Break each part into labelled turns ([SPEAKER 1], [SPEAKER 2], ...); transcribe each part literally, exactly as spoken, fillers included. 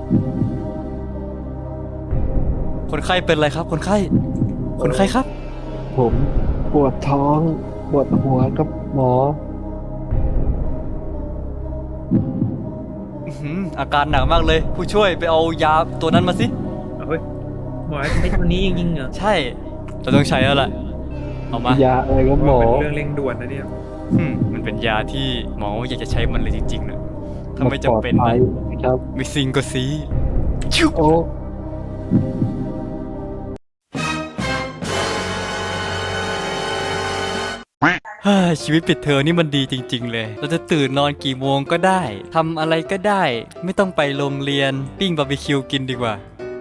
[SPEAKER 1] คนไข้เป็นอะไรครับคนไข้คนไข้ครับ
[SPEAKER 2] ผมปวดท้องปวดหัวกับหมอ
[SPEAKER 1] อื้อหืออาการหนักมากเลยผู้ช่วยไปเอายาตัวนั้นมาสิ
[SPEAKER 3] เฮ้ยหมอใช้ตัวนี้จริงๆเหรอ
[SPEAKER 1] ใช่เราต้องใช้แล้วล่ะเอามาย
[SPEAKER 2] าอะไรก็หมอ
[SPEAKER 3] เป็นเรื่องเร่งด่วนนะเนี่ย
[SPEAKER 1] อืมมันเป็นยาที่หมออยากจะใช้มันเลยจริงๆนะถ้าไม่จำเป็น
[SPEAKER 2] ปลอดภั
[SPEAKER 1] นะ
[SPEAKER 2] ยครับ
[SPEAKER 1] ไม่ซิงก็ซีชิว
[SPEAKER 2] โอ้
[SPEAKER 1] เฮ้ยชีวิตปิดเทอมนี่มันดีจริงๆเลยเราจะตื่นนอนกี่โมงก็ได้ทำอะไรก็ได้ไม่ต้องไปโรงเรียนปิ้งบาร์บีคิวกินดีกว่า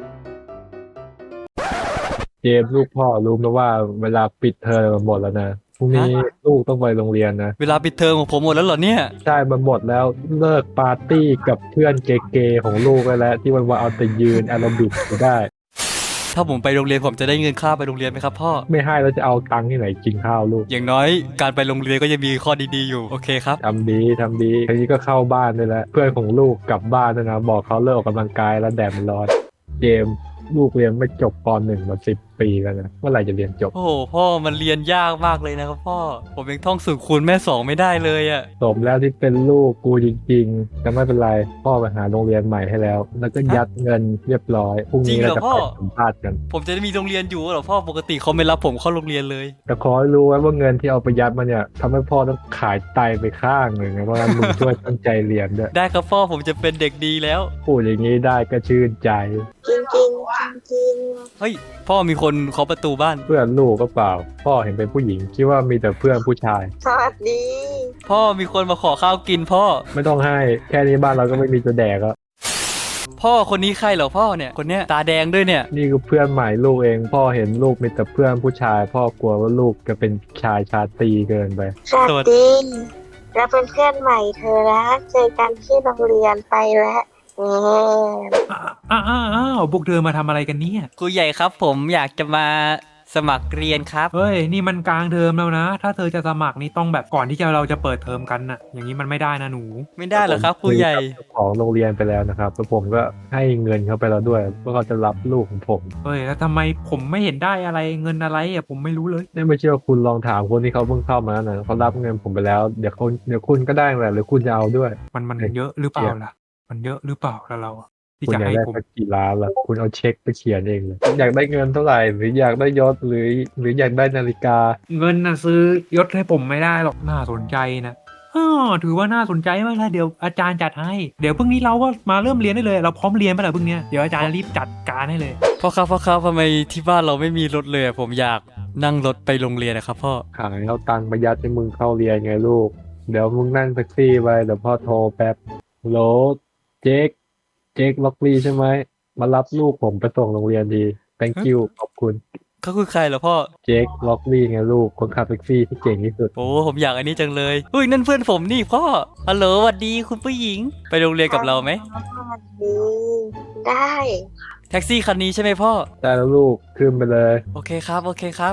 [SPEAKER 2] เจมส์ลูกพ่อรู้นะว่าเวลาปิดเทอมมันหมดแล้วนะพรุ่งนี้ลูกต้องไปโรงเรียนนะ
[SPEAKER 1] เวลาปิดเทอมของผมหมดแล้วเหรอเนี่ย
[SPEAKER 2] ใช่มันหมดแล้วเลิกปาร์ตี้กับเพื่อนเกย์ๆของลูกไปแล้วที่มันว่าเอาแต่ยืนแอโรบิกอยู่ได้
[SPEAKER 1] ถ้าผมไปโรงเรียนผมจะได้เงินค่าไปโรงเรียนไหมครับพ่อ
[SPEAKER 2] ไม่ให้แล้วจะเอาตังค์ที่ไหนกินข้าวลูก
[SPEAKER 1] อย่างน้อยการไปโรงเรียนก็ยังมีข้อดีๆอยู่โอเคครับ
[SPEAKER 2] ทำดีทำดีทีนี้ก็เข้าบ้านได้แล้วเพื่อนของลูกกลับบ้านนะบอกเขาเลิกออกกำลังกายแล้วแดดมันร้อนเจมส์ลูกเรียนไม่จบปหนึ่งมาสิบปีแล้วนะเมื่อไหร่จะเรียนจบ
[SPEAKER 1] โอ้โหพ่อมันเรียนยากมากเลยนะครับพ่อผมยังท่องสูตรคูณแม่สองไม่ได้เลยอะ
[SPEAKER 2] สมแล้วที่เป็นลูกกูจริงๆแต่ไม่เป็นไรพ่อไปหาโรงเรียนใหม่ให้แล้วแล้วก็ยัดเงินเรียบร้อยพรุ่งนี้เราจะไปสัมภาษณ์กัน
[SPEAKER 1] ผมจะมีโรงเรียนอยู่เหรอพ่อปกติเขาไม่รับผมเข้าโรงเรียนเลย
[SPEAKER 2] แต่ขอให้รู้ไว้ว่าเงินที่เอาไปยัดมาเนี่ยทำให้พ่อต้องขายไตไปข้างหนึ่งนะเพราะงั้นมึงช่วยตั้งใจเรียนด้วย
[SPEAKER 1] ได้ครับพ่อผมจะเป็นเด็กดีแล้ว
[SPEAKER 2] พูดอย่างนี้ได้ก็ชื่นใจ
[SPEAKER 4] จริงจริงจริง
[SPEAKER 1] เฮ้ยพ่อมีคนเคาะประตูบ้าน
[SPEAKER 2] เพื่อนลูกก็เปล่าพ่อเห็นเป็นผู้หญิงคิดว่ามีแต่เพื่อนผู้ชาย
[SPEAKER 4] สวัสดี
[SPEAKER 1] พ่อมีคนมาขอข้าวกินพ่อ
[SPEAKER 2] ไม่ต้องให้แค่นี้บ้านเราก็ไม่มีจะแดกแล้ว
[SPEAKER 1] พ่อคนนี้ใครเหรอพ่อเนี่ยคนเนี้ยตาแดงด้วยเนี่ย
[SPEAKER 2] นี่คือเพื่อนใหม่ลูกเองพ่อเห็นลูกมีแต่เพื่อนผู้ชายพ่อกลัวว่าลูกจะเป็นชายชาตรีเกินไป
[SPEAKER 4] สวัสดีแล้วเป็นเพื่อนใหม่เธอนะเจอกันที่โรงเรียนไปแล้ว
[SPEAKER 3] อ้าวอ้าวพวกเธอมาทำอะไรกันเนี่ย
[SPEAKER 1] ครูใหญ่ครับผมอยากจะมาสมัครเรียนครับ
[SPEAKER 3] เฮ้ยนี่มันกลางเทอมแล้วนะถ้าเธอจะสมัครนี่ต้องแบบก่อนที่จะเราจะเปิดเทอมกันน่ะอย่างนี้มันไม่ได้นะหนู
[SPEAKER 1] ไม่ได้เหรอครับครูใหญ่
[SPEAKER 2] ของโรงเรียนไปแล้วนะครับแล้วผมก็ให้เงินเขาไปแล้วด้วยว่าเขาจะรับลูกของผม
[SPEAKER 3] เฮ้ยแล้วทำไมผมไม่เห็นได้อะไรเงินอะไรอ่ะผมไม่รู้เลย
[SPEAKER 2] นี่ไม่เชื่อคุณลองถามคนที่เขาเพิ่งเข้ามานะเขารับเงินผมไปแล้วเดี๋ยวคุณเดี๋ยวคุณก็ได้แหละหรือคุณจะเอาด้วย
[SPEAKER 3] มันมันเยอะหรือเปล่าล่ะมันเยอะหรือเปล่าแล้วเรา
[SPEAKER 2] ที่จะให้ผมกี่ล้านล่ะคุณเอาเช็คไปเขียนเองเลยอยากได้เงินเท่าไหร่หรืออยากได้ยศหรือหรืออยากได้นาฬิกา
[SPEAKER 3] เงินน่ะซื้อยศให้ผมไม่ได้หรอกน่าสนใจนะอ๋อถือว่าน่าสนใจมากเลยเดี๋ยวอาจารย์จัดให้เดี๋ยวพรุ่งนี้เราก็มาเริ่มเรียนได้เลยเราพร้อมเรียนไปแล้วพรุ่งนี้เดี๋ยวอาจารย์รีบจัดการให้เลย
[SPEAKER 1] พ่อครับพ่อครับทำไมที่บ้านเราไม่มีรถเลยผมอยากนั่งรถไปโรงเรียนนะครับพ่อ
[SPEAKER 2] ขายเอาตังค์ประหยัดให้มึงเข้าเรียนไงลูกเดี๋ยวมึงนั่งแท็กซี่ไปเดี๋ยวพ่อโทรแป๊บโหลเจ๊กเจ๊กล็อกลี่ใช่ไหมมารับลูกผมไปส่งโรงเรียนดี thank you ขอบคุณ
[SPEAKER 1] เขาคือใครเหรอพ่อ
[SPEAKER 2] เจ๊กล็อกลี่ไงลูกคนขับแท็กซี่ที่เก่งที่สุด
[SPEAKER 1] โอ้ผมอยากอันนี้จังเลยเฮ้ยนั่นเพื่อนผมนี่พ่อฮัลโหลสวัสดีคุณผู้หญิงไปโรงเรียนกับเราไหม
[SPEAKER 4] สวัสดีได้
[SPEAKER 1] แท็กซี่คันนี้ใช่ไหมพ่อ
[SPEAKER 2] ได้แล้วลูกขึ้นไปเลย
[SPEAKER 1] โอเคครับโอเคครับ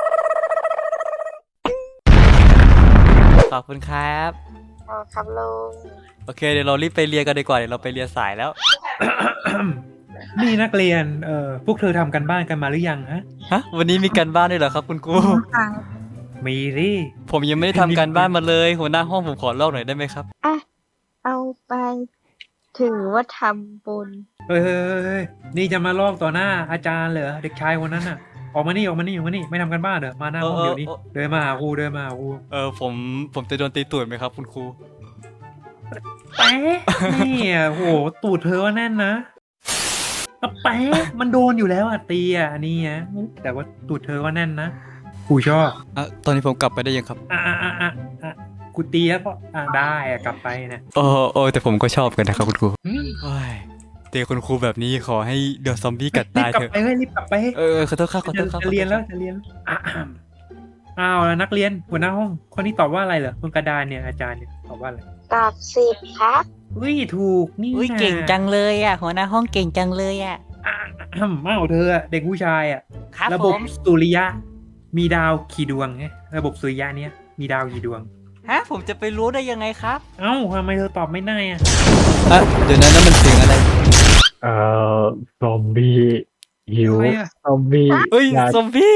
[SPEAKER 1] ขอบคุณครับ
[SPEAKER 4] ครับลุง
[SPEAKER 1] โอเคเดี๋ยวเรารีบไปเรียนกันดีกว่าเดี๋ยวเราไปเรียนสายแล้ว
[SPEAKER 3] นี่นักเรียนเอ่อพวกเธอทำกันบ้านกันมาหรือยังฮะ
[SPEAKER 1] ฮะวันนี้มีกันบ้านด้วยเหรอครับคุณครู
[SPEAKER 3] มีดิ
[SPEAKER 1] ผมยังไม่ได้ทำการบ้านมาเลยหัวหน้าห้องผมขอลอกหน่อยได้ไหมครับ
[SPEAKER 4] อ่ะเอาไปถือว่าทำบุญ
[SPEAKER 3] เฮ้ยนี่จะมาลอกต่อหน้าอาจารย์เหรอเด็กชายคนนั้นน่ะออกมานี่ออกมานี่ออกมานี่ไม่ทำกันบ้านเหรอมาหน้าห้องเดี๋ยวนี้เดินมาหาครูเดินมาหาครู
[SPEAKER 1] เออผมผมจะโดนตีตูดไหมครับคุณครู
[SPEAKER 3] แป๊ะนี่อ่ะโหตูดเธอว่าแน่นนะแป๊ะมันโดนอยู่แล้วอ่ะตีอ่ะนี่อ่ะแต่ว่าตูดเธอว่าแน่นนะครูชอบ
[SPEAKER 1] อ่ะตอนนี้ผมกลับไปได้ยังครับ
[SPEAKER 3] อ่ะอ่ะอ่ะอ่ะกูตีแล้วก็อ่ะได้อ่ะกลับไปนะ
[SPEAKER 1] โอ้โอ้แต่ผมก็ชอบกันนะครับคุณครูโอ้ยเตะคุณครูแบบนี้ขอให้เดี๋ยวซอมบี้กัดตายเถอะ
[SPEAKER 3] รีบกลับไป
[SPEAKER 1] เออขอโทษครับขอโทษครับ
[SPEAKER 3] จะเรียนแล้วจะเรียนอ้าวแล้วนักเรียนหัวหน้าห้องคนนี้ตอบว่าอะไรเหรอบนกระดานเนี่ยอาจารย์เนี่ยตอบว่าอะไร
[SPEAKER 4] ตอบสิบครับ
[SPEAKER 3] อุ้ยถูกนี่
[SPEAKER 1] อุ้ยเก่งจังเลยอ่ะหัวหน้าห้องเก่งจังเลยอ่ะ
[SPEAKER 3] อ้าวเธอเด็กผู้ชายอ่ะระบบสุริยะมีดาวกี่ดวงไงระบบสุริยะเนี้ยมีดาวกี่ดวง
[SPEAKER 1] ฮะผมจะไปรู้ได้ยังไงครับ
[SPEAKER 3] เอ้าทำไมเธอตอบไม่ได้อ่ะ
[SPEAKER 1] อ่ะเดี๋ยวนั้นนั่นมันเสียงอะไร
[SPEAKER 2] เอ่อซอมบี้หิว
[SPEAKER 3] อะไรอะ
[SPEAKER 2] ซอมบี้
[SPEAKER 1] เอ้ย
[SPEAKER 2] อยาก
[SPEAKER 1] ซอมบี้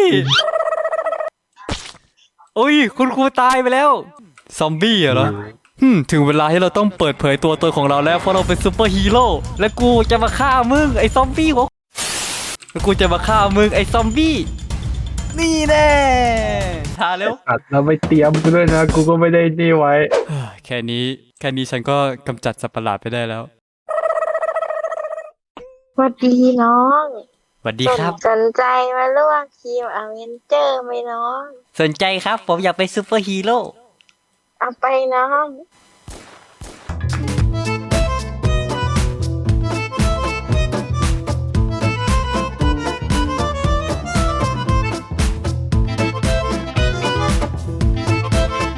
[SPEAKER 1] โอ้ยคุณครูตายไปแล้ว ซอมบี้เหรอฮึมถึงเวลาที่เราต้องเปิดเผยตัวตนของเราแล้วเพราะเราเป็นซูเปอร์ฮีโร่และกูจะมาฆ่ามึงไอ้ซอมบี้วะแล้วกูจะมาฆ่ามึงไอ้ซอมบี้นี่แน่ทาเร็ว
[SPEAKER 2] อัดแล้วไม่เตรียมกูด้วยนะ กูก็ไม่ได้นี่ไว้
[SPEAKER 1] แค่นี้แค่นี้ฉันก็กำจัดสัตว์ประหลาดไปได้แล้ว
[SPEAKER 4] สวัสดีน้อง
[SPEAKER 1] สวัสดีครับ
[SPEAKER 4] สนใจมาร่วมทีมอเวนเจอร์ไหมน้อง
[SPEAKER 1] สนใจครับผมอยากเป็นซูเปอร์ฮีโร่
[SPEAKER 4] เอาไปน้อง